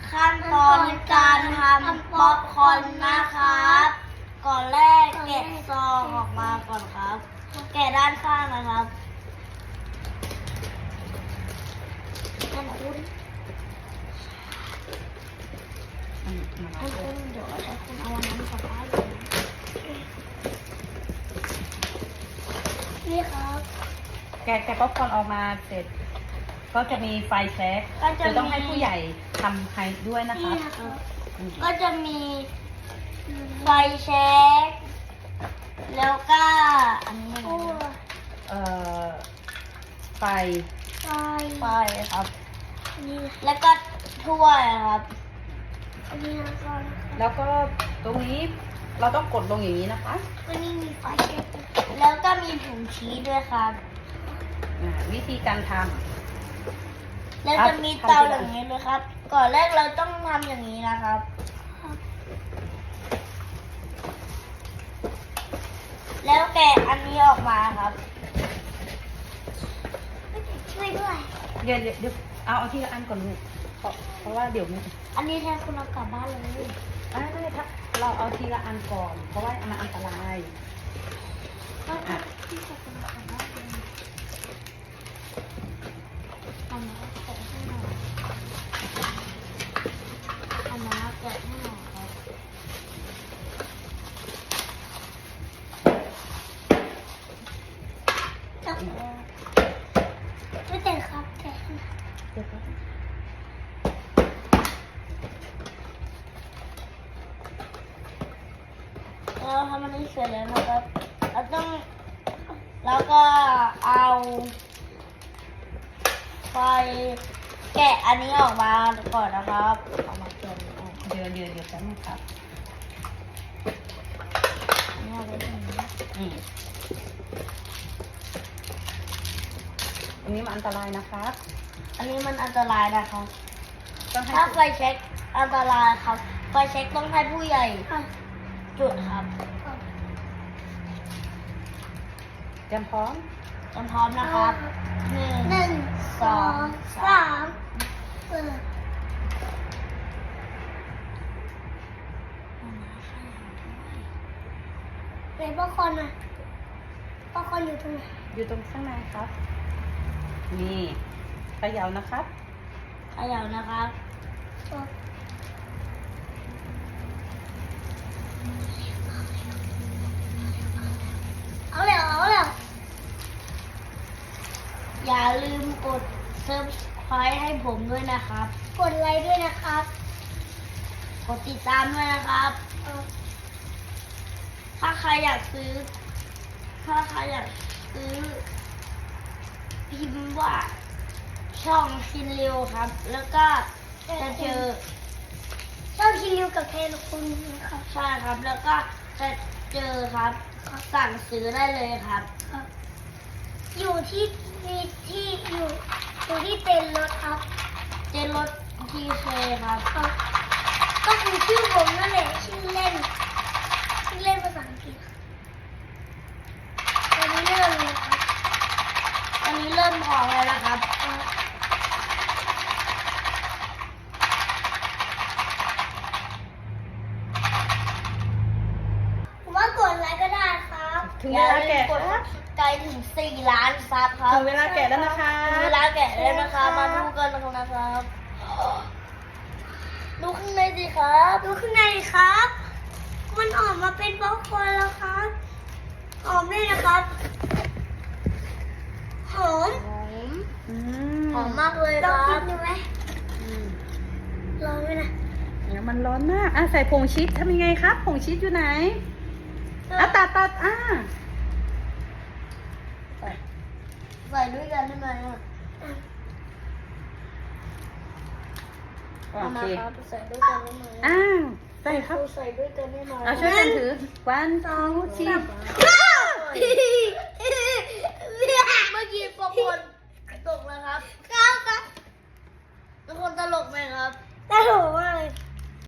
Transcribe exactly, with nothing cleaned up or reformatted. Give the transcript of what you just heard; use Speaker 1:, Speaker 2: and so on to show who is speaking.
Speaker 1: ขั้นตอนการทำป๊อปคอร์นนะครับ ก่อนแรกแกะซองออกมาก่อนครับ แกะด้านข้างนะครับท่านคุณท่านคุณเดี๋ยวท่านคุณเอาอันนั้นกลับบ้านเลยนี่ครับ
Speaker 2: แกะแกะป๊อปคอร์นออกมาเสร็จ ก็จะมีไฟแช็กจะต้องให้ผู้ใหญ่ทำให้ด้วยนะคะ
Speaker 1: ก็จะมีไฟแช็กแล้วก็อันนี้เอ่อ
Speaker 2: ไฟ
Speaker 1: ไฟไฟครับแล้วก็ถ้วยครับ
Speaker 2: แล้วก็ตรงนี้เราต้องกดลงอย่างนี้นะคะ
Speaker 1: ก็นี่มีไฟแช็กแล้วก็มีผงชีสด้วยครับ
Speaker 2: วิธีการทำ
Speaker 1: แล้วจะมีเตาอย่างนี้เลยครับ ก่อนแรกเราต้องทำอย่างนี้นะครับ แล้วแกะอันนี้ออกมาครับช่วยด้วย
Speaker 2: เดี๋ยวเดี๋ยวเดี๋ยวเอาเอาทีละอันก่อนลูกเพราะเพราะว่าเดี๋ยวมัน
Speaker 1: อันนี้แทนคุณเอากลับบ้านเลย
Speaker 2: อ่าได้ครับเราเอาทีละอันก่อน เพราะว่ามันอันตรายอ่ะ
Speaker 1: ที่จะคุณเอากลับบ้านเลยอันนี้แกะให้หน่อยอันนี้แกะให้หน่อยครับไม่เต็มครับแกะให้หน่อย
Speaker 2: เดี๋ยวครับ
Speaker 1: เราทำอันนี้เสร็จแล้วนะครับเราต้องแล้วก็เอาไฟแกะอันนี้ออกมาก่อนนะครับเอามาเกะออก
Speaker 2: เดี๋ยวเดี๋ยวเดี๋ยวแป๊บนึงครับ
Speaker 1: อันนี้เอาไว้ตรงนี้
Speaker 2: อืมอันนี้มันอันตรายนะครับ
Speaker 1: อันนี้มันอันตรายนะครับ
Speaker 2: ต้องให้
Speaker 1: ถ้าไฟเช็คอันตรายครับ ไฟเช็คต้องให้ผู้ใหญ่จุดครับ
Speaker 2: เตรียมพร้อม
Speaker 1: เตรียมพร้อมนะครับหนึ่งหนึ่งสองสามเปิดไหนป๊อปคอร์นอ่ะป๊อปคอร์นอยู่ตรงไหน
Speaker 2: อยู่ตรงข้างในครับ นี่เขย่านะครับ
Speaker 1: เขย่านะครับเอาเลยเอาเลยอย่าลืมกด Subscribe ให้ผมด้วยนะครับ กดไลค์ด้วยนะครับ กดติดตามด้วยนะครับ ถ้าใครอยากซื้อ ถ้าใครอยากซื้อพิมพ์ว่าช่องคินเร็วครับ แล้วก็จะเจอช่องคินเร็วกับเทนคุณนะครับใช่ครับ แล้วก็จะเจอครับสั่งซื้อได้เลยครับ อยู่ที่มีที่อยู่อยู่ที่เต็นท์รถครับ เต็นท์รถทีเคครับ ก็คือชื่อผมนั่นแหละชื่อเล่นชื่อเล่นภาษาอังกฤษตอนนี้เริ่มเลยครับตอนนี้เริ่มพองแล้วนะครับผมว่ากดไลค์ก็ได้ครับ
Speaker 2: ถึงเวลาแกะ
Speaker 1: อย่ลืมกดไกลถึงสี่ล้านซับครับ
Speaker 2: ถึงเวลาแกะแล้วนะคะ
Speaker 1: ถึงเวลาแกะแล้วนะคะมาดูกันนะครับดูข้างในสิครับดูข้างในครับ มันออกมาเป็นป๊อปคอร์นแล้วครับหอมด้วยนะครับหอม
Speaker 2: อื
Speaker 1: หอมมากเลยครับลองกินดูไหม
Speaker 2: อืม
Speaker 1: ร้อนไหมนะ
Speaker 2: เดี๋ยวมันร้อนมากอ่ะใส่ผงชีสทำยังไงครับ ผงชีสอยู่ไหนอ่ะตัดตัดอ่ะ
Speaker 1: ใส่ด้วยกันได้ไหมอ่ะ
Speaker 2: โอ
Speaker 1: เอามา
Speaker 2: เค
Speaker 1: ครับใส่ด้วยกันได้ไหม
Speaker 2: อ้าวใส่ครับ
Speaker 1: ใส่ด้วยกันได้ไหม
Speaker 2: เอาช่วยกันถือวันสองชีส
Speaker 1: เมื่อกี้ป๊อปคอร์นตกแล้วครับครับครับเป็นคนตลกไหมครับตลกม